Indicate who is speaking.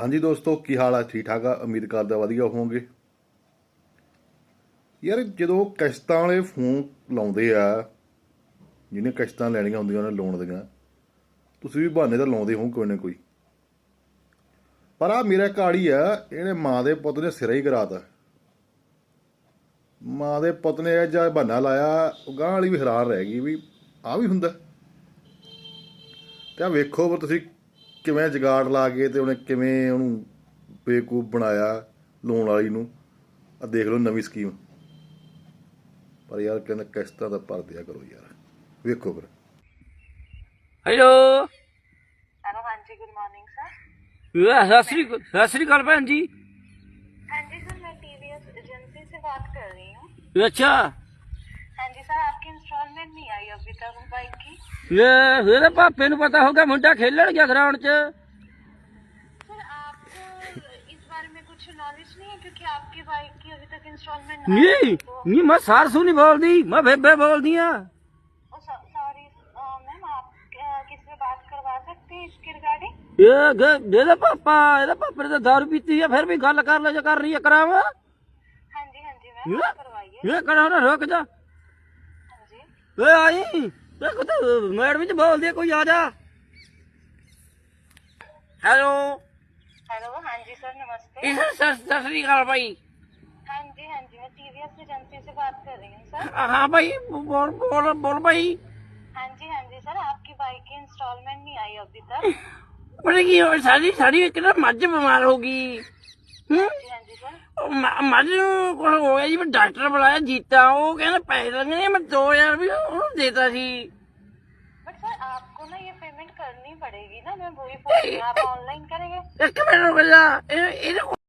Speaker 1: हाँ जी दोस्तों, की हाल है? ठीक ठाक आ, उम्मीद करदा वधिया होवोगे। यार जो किश्तां वाले फोन लाउंदे आ, जिन्हें किश्तां लैणियां हुंदियां ने लोन दियां, तुसीं भी बहाने तां लाउंदे हो कोई ना कोई। पर आ मेरा काड़ी आ, इहने मां दे पुत्त ने सिरा ही कराता। मां दे पुत्त ने जा बहाना लाया, गांह वाली भी हैरान रह गई भी आ भी हुंदा। ਤੇ ਆ ਵੇਖੋ ਪਰ ਤੁਸੀਂ ਕਿਵੇਂ ਜਗਾੜ ਲਾ ਕੇ ਤੇ ਉਹਨੇ ਕਿਵੇਂ ਉਹਨੂੰ ਬੇਵਕੂਫ ਬਣਾਇਆ ਲੋਨ ਵਾਲੀ ਨੂੰ। ਆ ਦੇਖ ਲਓ ਨਵੀਂ ਸਕੀਮ। ਪਰ ਯਾਰ ਕਹਿੰਦਾ ਕਿਸ਼ਤਾਂ ਤਾਂ ਭਰ ਦਿਆ ਕਰੋ ਯਾਰ, ਵੇਖੋ ਫਿਰ।
Speaker 2: ਹੈਲੋ
Speaker 3: हेलो, हाँ जी, गुड मॉर्निंग सर।
Speaker 2: सत श्री अकाल भैन जी।
Speaker 3: हाँ जी सर, मैं टीवीएस एजेंसी से बात कर रही हूँ।
Speaker 2: अच्छा,
Speaker 3: हाँ जी सर, आपकी इंस्टॉलमेंट नहीं आई अभी तक बाइक की।
Speaker 2: ये पापे नु पता होगा मुंडा खेलन गया ग्राउंड च।
Speaker 3: सर आपको इस बारे में कुछ नॉलेज नहीं है, क्योंकि आपकी बाइक की अभी तक इंस्टॉलमेंट
Speaker 2: नहीं मैं सारसू नहीं बोलदी, मैं बेबे बोलदी हां।
Speaker 3: सॉरी मैम, आप किससे बात करवा सकते हैं इसके रिगार्डिंग?
Speaker 2: ये पापा ने तो दारू पीती है, फिर भी गल कर ले जो करनी है करावा।
Speaker 3: हाँ जी मैम, आप करवाइए।
Speaker 2: ये करा ना, रुक जा।
Speaker 3: हाँ जी,
Speaker 2: ए आई देखो तो मैडम जी बोल दे, कोई आ जा। हेलो
Speaker 3: हेलो, हाँ जी सर, नमस्ते।
Speaker 2: सत श्री अकाल भाई।
Speaker 3: हाँ जी मैं टीवीएस एजेंसी से बात कर रही हूँ सर।
Speaker 2: हाँ भाई, बोल भाई।
Speaker 3: हाँ जी सर, आपकी बाइक की इंस्टॉलमेंट नहीं आई अभी तक।
Speaker 2: पता की सारी सारी एक ना मझ बीमार होगी।
Speaker 3: हाँ जी सर।
Speaker 2: मझ कुछ हो गया जी, मैं डॉक्टर बुलाया जीता, वो कहना पैसे लगने, मैं 2000 भी देता सी।
Speaker 3: बट सर आपको ना ये पेमेंट करनी पड़ेगी ना, मैं वही पूछ रही हूँ, आप ऑनलाइन करेंगे?
Speaker 2: एक मिनट रुक जा।